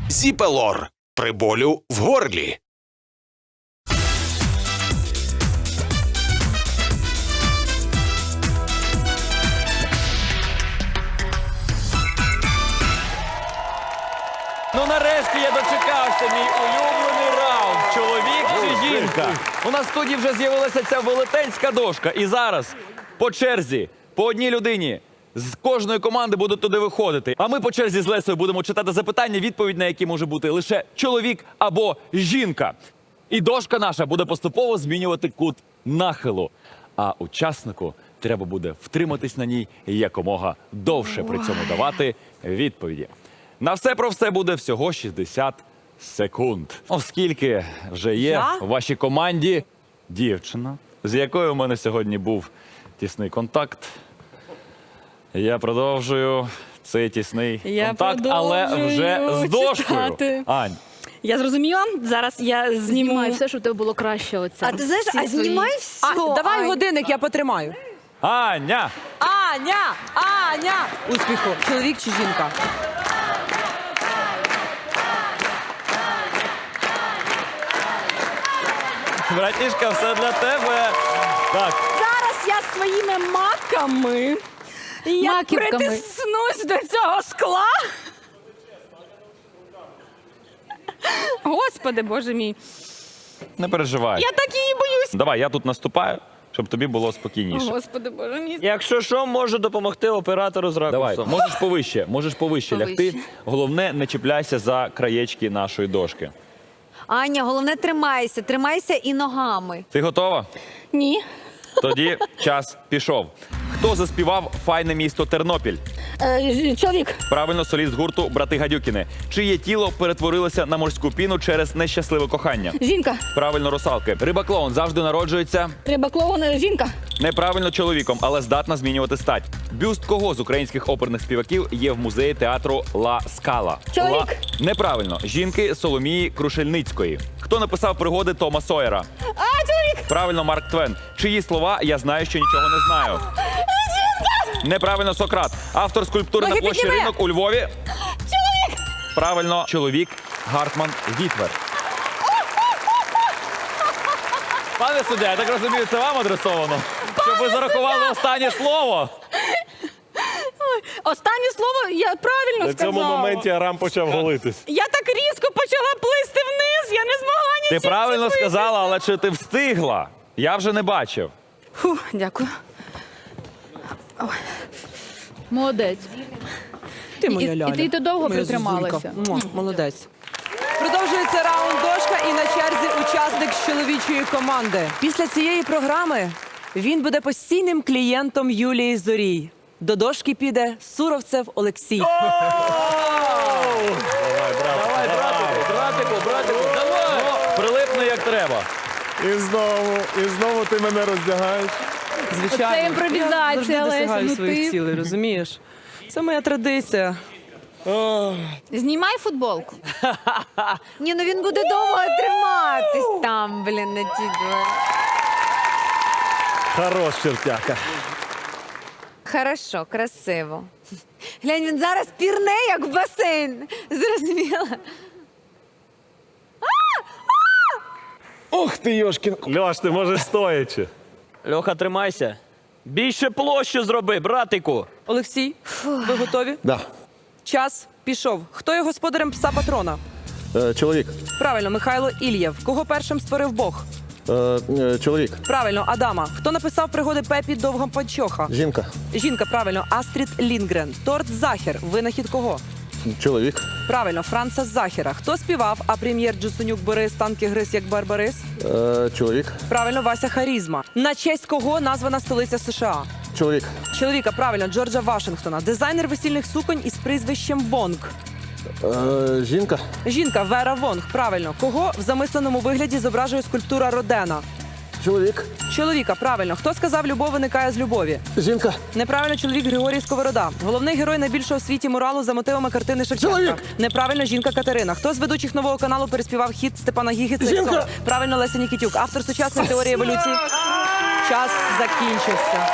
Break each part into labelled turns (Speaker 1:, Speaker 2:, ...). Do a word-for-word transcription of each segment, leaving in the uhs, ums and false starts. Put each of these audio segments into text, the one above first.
Speaker 1: Зіпелор при болю в горлі.
Speaker 2: Ну нарешті я дочекався, мій улюблений раунд. Чоловік чи жінка? У нас в студії вже з'явилася ця велетенська дошка. І зараз по черзі, по одній людині з кожної команди будуть туди виходити. А ми по черзі з Лесею будемо читати запитання, відповідь на які може бути лише чоловік або жінка. І дошка наша буде поступово змінювати кут нахилу. А учаснику треба буде втриматись на ній якомога довше, при цьому давати відповіді. На все про все буде всього шістдесят секунд. Оскільки вже є
Speaker 3: Я?
Speaker 2: в вашій команді дівчина, з якою у мене сьогодні був тісний контакт. Я продовжую цей тісний
Speaker 3: Я
Speaker 2: контакт, але вже з дошкою.
Speaker 3: читати.
Speaker 2: Ань,
Speaker 3: Я зрозуміла. Зараз я зніму.
Speaker 4: Знімай все, щоб у тебе було краще. Оце.
Speaker 5: А ти знаєш,
Speaker 4: Всі
Speaker 5: а
Speaker 4: свої.
Speaker 5: знімай все.
Speaker 3: А, давай
Speaker 5: Ань.
Speaker 3: годинник, я потримаю.
Speaker 2: Аня!
Speaker 3: Аня! Аня! Успіху. Чоловік чи жінка?
Speaker 2: Братішка, все для тебе. Так,
Speaker 3: Зараз я своїми маками я
Speaker 4: Маківками.
Speaker 3: притиснусь до цього скла. Господи, Боже мій.
Speaker 2: не переживай.
Speaker 3: Я так її боюсь.
Speaker 2: Давай, я тут наступаю, щоб тобі було спокійніше.
Speaker 3: Господи, Боже мій.
Speaker 6: Якщо що, можу допомогти оператору з
Speaker 2: Давай,
Speaker 6: ракурсом.
Speaker 2: можеш повище, можеш повище
Speaker 4: Повище.
Speaker 2: лягти. Головне, не чіпляйся за краєчки нашої дошки.
Speaker 5: Аня, головне тримайся, тримайся і ногами.
Speaker 2: Ти готова?
Speaker 3: Ні.
Speaker 2: Тоді час пішов. Хто заспівав «Файне місто Тернопіль»?
Speaker 3: Е, чоловік.
Speaker 2: Правильно, соліст гурту «Брати Гадюкіни». Чиє тіло перетворилося на морську піну через нещасливе кохання?
Speaker 3: Жінка.
Speaker 2: Правильно, русалки. Риба-клоун завжди народжується
Speaker 3: Треба клоун. Жінка.
Speaker 2: неправильно чоловіком, але здатна змінювати стать. Бюст кого з українських оперних співаків є в музеї театру Ла Скала?
Speaker 3: Чоловік.
Speaker 2: Ла... Неправильно. Жінки Соломії Крушельницької. Хто написав пригоди Тома Сойера?
Speaker 3: А, чоловік.
Speaker 2: Правильно, Марк Твен. Чиї слова «Я знаю, що нічого не знаю»? Неправильно, Сократ. Автор скульптури
Speaker 3: Ноги
Speaker 2: на площі
Speaker 3: підніми.
Speaker 2: Ринок у Львові.
Speaker 3: Чоловік.
Speaker 2: Правильно, чоловік Гартман Вітвер. Пане суддя, я так розумію, це вам адресовано? Щоб ви зарахували останнє слово?
Speaker 3: Останнє слово я правильно
Speaker 6: На
Speaker 3: сказала.
Speaker 6: цьому моменті Арам почав голитись.
Speaker 3: Я так різко почала плисти вниз, я не змогла
Speaker 2: Ти
Speaker 3: нічим
Speaker 2: правильно
Speaker 3: зцепитись.
Speaker 2: сказала, але чи ти встигла? Я вже не бачив.
Speaker 3: Фу, дякую.
Speaker 4: Молодець.
Speaker 3: Ти
Speaker 4: моя І- і ти- і ти довго
Speaker 3: Моя
Speaker 4: протрималася.
Speaker 3: зозулька. Муа, молодець. Продовжується раунд дошка і на черзі учасник з чоловічої команди. Після цієї програми він буде постійним клієнтом Юлії Зорій. До дошки піде Суровцев Олексій.
Speaker 2: Давай, братику, братику, братику, давай! Прилипни як треба.
Speaker 6: І знову, і знову ти мене роздягаєш.
Speaker 3: Звичайно.
Speaker 4: Оце імпровізація,
Speaker 3: Я завжди
Speaker 4: Леся,
Speaker 3: досягаю
Speaker 4: ну
Speaker 3: своїх
Speaker 4: ти.
Speaker 3: цілей, розумієш? Це моя традиція.
Speaker 4: Знімай футболку.
Speaker 5: Ні, ну він буде довго триматись там, блін, на ті двері.
Speaker 6: Хорош, чертяка.
Speaker 5: Хорошо, красиво. Глянь, він зараз пірне, як в басейн. Зрозуміла?
Speaker 6: Ух ти, Йошкін. Льош, ти можеш стоячи.
Speaker 7: Льоха, тримайся. Більше площу зроби, братику.
Speaker 3: Олексій, ви готові?
Speaker 8: Да.
Speaker 3: Час пішов. Хто є господарем пса патрона?
Speaker 8: Е, чоловік.
Speaker 3: Правильно, Михайло Ільєв. Кого першим створив Бог?
Speaker 8: Е, е, чоловік.
Speaker 3: Правильно, Адама. Хто написав пригоди Пепі Довгопанчоха?
Speaker 8: Жінка.
Speaker 3: Жінка, правильно, Астрід Лінгрен. Торт Захер. Винахід кого?
Speaker 8: Чоловік.
Speaker 3: Правильно, Франца Захера. Хто співав, а прем'єр Джусунюк Борис танки гриз як Барбарис?
Speaker 8: Е, чоловік.
Speaker 3: Правильно, Вася Харізма. На честь кого названа столиця США?
Speaker 8: Чоловік.
Speaker 3: Чоловіка, правильно, Джорджа Вашингтона. Дизайнер весільних суконь із прізвищем Вонг.
Speaker 8: Е, жінка.
Speaker 3: Жінка Вера Вонг. Правильно. Кого в замисленому вигляді зображує скульптура Родена?
Speaker 8: Чоловік.
Speaker 3: Чоловіка, правильно. Хто сказав, любов виникає з любові?
Speaker 8: Жінка.
Speaker 3: Неправильно, чоловік Григорій Сковорода. Головний герой найбільшого в світі муралу за мотивами картини Шевченка.
Speaker 8: Чоловік!
Speaker 3: Неправильно, жінка Катерина. Хто з ведучих нового каналу переспівав хіт Степана Гіги «Цей
Speaker 8: Жінка!
Speaker 3: сон»? Правильно, Леся Нікітюк. Автор сучасної теорії еволюції. Час закінчився.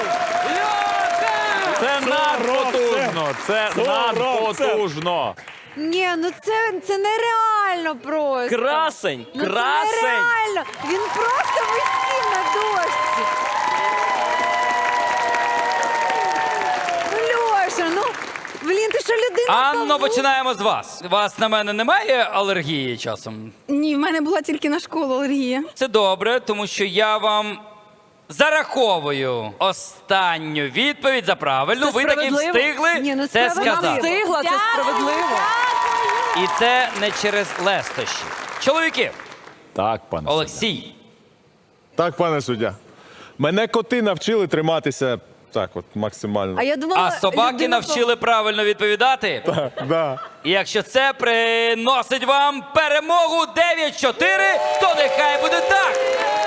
Speaker 2: Це надпотужно, це
Speaker 6: Сорок, це.
Speaker 2: надпотужно.
Speaker 5: Ні, ну це, це нереально просто.
Speaker 7: Красень!
Speaker 5: Ну,
Speaker 7: Красень!
Speaker 5: Це нереально. Він просто висів на дошці. Ну, Льоша, ну, блін, ти що, людина?
Speaker 9: Анно,
Speaker 5: павук?
Speaker 9: починаємо з вас. У вас на мене немає алергії часом?
Speaker 4: Ні, в мене була тільки на школу алергія.
Speaker 9: Це добре, тому що я вам зараховую останню відповідь за правильну.
Speaker 3: Це
Speaker 9: Ви таки
Speaker 3: справедливо?
Speaker 9: встигли
Speaker 5: Ні, ну,
Speaker 9: це
Speaker 5: справедливо.
Speaker 9: сказати.
Speaker 3: Встигла, це
Speaker 5: Дякую,
Speaker 3: справедливо.
Speaker 9: І це не через лестощі. Чоловіки,
Speaker 2: Так, пане. суддя.
Speaker 9: Олексій,
Speaker 6: Так, пане суддя. Мене коти навчили триматися так от максимально.
Speaker 5: А я думала,
Speaker 9: а собаки
Speaker 5: людина
Speaker 9: навчили правильно відповідати?
Speaker 6: Да.
Speaker 9: І якщо це приносить вам перемогу дев'ять чотири, то нехай буде так.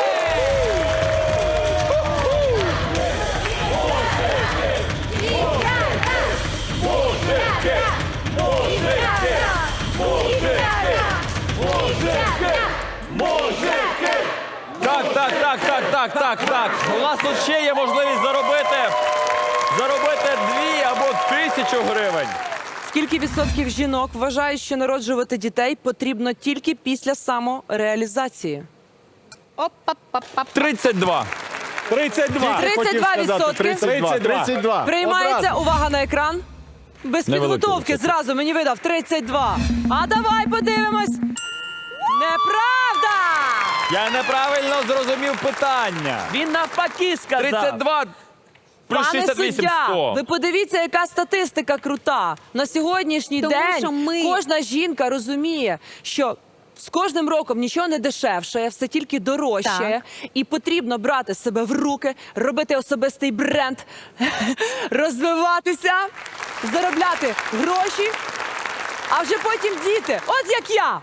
Speaker 2: Так, так, так, так, так, так, так. У нас тут ще є можливість заробити, заробити дві або тисячу гривень.
Speaker 3: Скільки відсотків жінок вважають, що народжувати дітей потрібно тільки після самореалізації?
Speaker 2: тридцять два.
Speaker 6: тридцять два.
Speaker 3: тридцять
Speaker 6: хотів
Speaker 3: два
Speaker 6: сказати.
Speaker 3: відсотки.
Speaker 6: тридцять два. тридцять два.
Speaker 3: Приймається,
Speaker 6: Одразу.
Speaker 3: увага на екран. Без
Speaker 2: Невеликий
Speaker 3: підготовки
Speaker 2: відсоток.
Speaker 3: зразу мені видав тридцять два. А давай подивимось. Неправда!
Speaker 2: Я неправильно зрозумів питання.
Speaker 7: Він навпаки сказав.
Speaker 2: тридцять два плюс
Speaker 3: Пане
Speaker 2: шістдесят вісім
Speaker 3: суддя,
Speaker 2: сто.
Speaker 3: ви подивіться, яка статистика крута. На сьогоднішній
Speaker 5: Тому
Speaker 3: день
Speaker 5: що ми-
Speaker 3: кожна жінка розуміє, що з кожним роком нічого не дешевшає, все тільки дорожчає. І потрібно брати себе в руки, робити особистий бренд, розвиватися, заробляти гроші, а вже потім діти. От як я.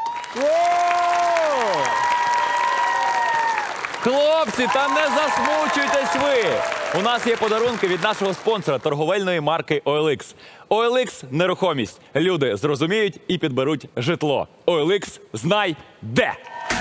Speaker 2: Хлопці, та не засмучуйтесь ви. У нас є подарунки від нашого спонсора торговельної марки о ел ікс. о ел ікс – нерухомість. Люди зрозуміють і підберуть житло. о ел ікс – знай де.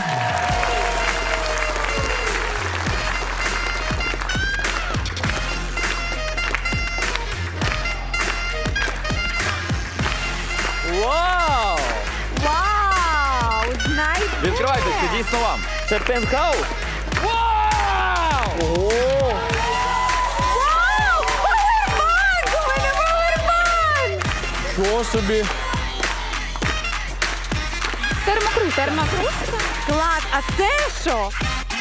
Speaker 7: Вау!
Speaker 5: Вау! Знай.
Speaker 2: Відкривайте, це дійсно вам.
Speaker 7: Це пентхаус?
Speaker 5: Вау! Повербанк! У мене повербанк!
Speaker 6: Що собі?
Speaker 4: Термокрут, термокрут.
Speaker 5: Клас, а це що?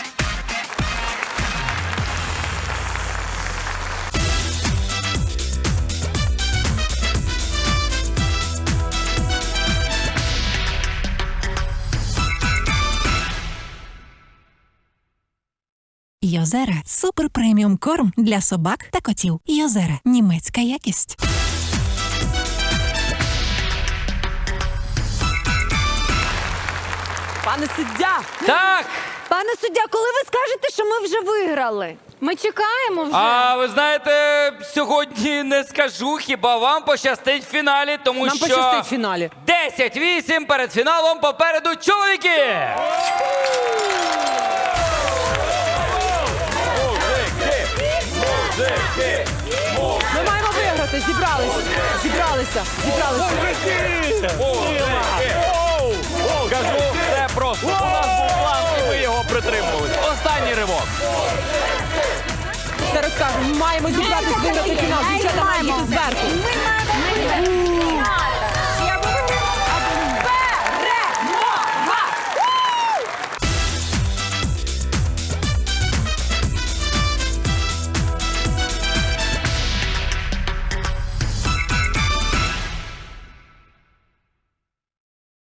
Speaker 10: Йозера – супер преміум корм для собак та котів. Йозера – німецька якість.
Speaker 3: Пане суддя,
Speaker 9: Так,
Speaker 5: Пане суддя, коли ви скажете, що ми вже виграли?
Speaker 4: Ми чекаємо вже.
Speaker 9: а ви знаєте, сьогодні не скажу, хіба вам пощастить в фіналі, тому
Speaker 3: нам
Speaker 9: що
Speaker 3: пощастить в фіналі.
Speaker 9: десять вісім перед фіналом попереду чоловіки.
Speaker 3: Ми маємо виграти. Зібралися. Зібралися. Зібралися.
Speaker 2: Кажу, все просто. У нас був план, і ми його притримували. Останній ривок.
Speaker 3: Зараз кажу, ми маємо зібратися, виграти фінал. Дівчата мають їхати зверху.
Speaker 5: Ми маємо виграти.